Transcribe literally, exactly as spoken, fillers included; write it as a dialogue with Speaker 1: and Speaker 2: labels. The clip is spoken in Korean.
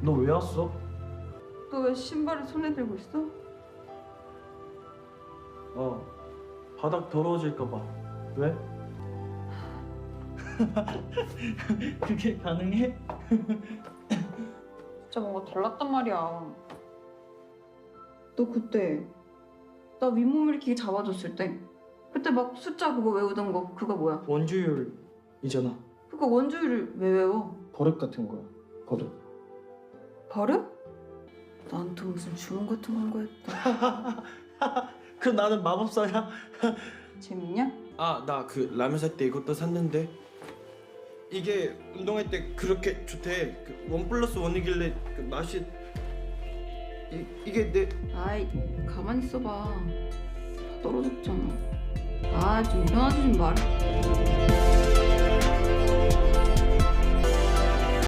Speaker 1: 너 왜 왔어?
Speaker 2: 너 왜 신발을 손에 들고 있어?
Speaker 1: 어, 바닥 더러워질까 봐. 왜? 그게 가능해?
Speaker 2: 진짜 뭔가 달랐단 말이야. 너 그때 나 윗몸 일으키기 잡아줬을 때 그때 막 숫자 그거 외우던 거 그거 뭐야?
Speaker 1: 원주율이잖아.
Speaker 2: 그거 원주율을 왜 외워?
Speaker 1: 버릇 같은 거야. 버릇.
Speaker 2: 버릇? 난 또 무슨 주문 같은 건 거였다.
Speaker 1: 그 나는 마법사야.
Speaker 2: 재밌냐?
Speaker 3: 아, 나 그 라면 살 때 이것도 샀는데 이게 운동할 때 그렇게 좋대. 그 원 플러스 원이길래 그 맛이 이, 이게 내
Speaker 2: 아이 가만히 있어봐. 다 떨어졌잖아. 아 좀 일어나지 좀 말해.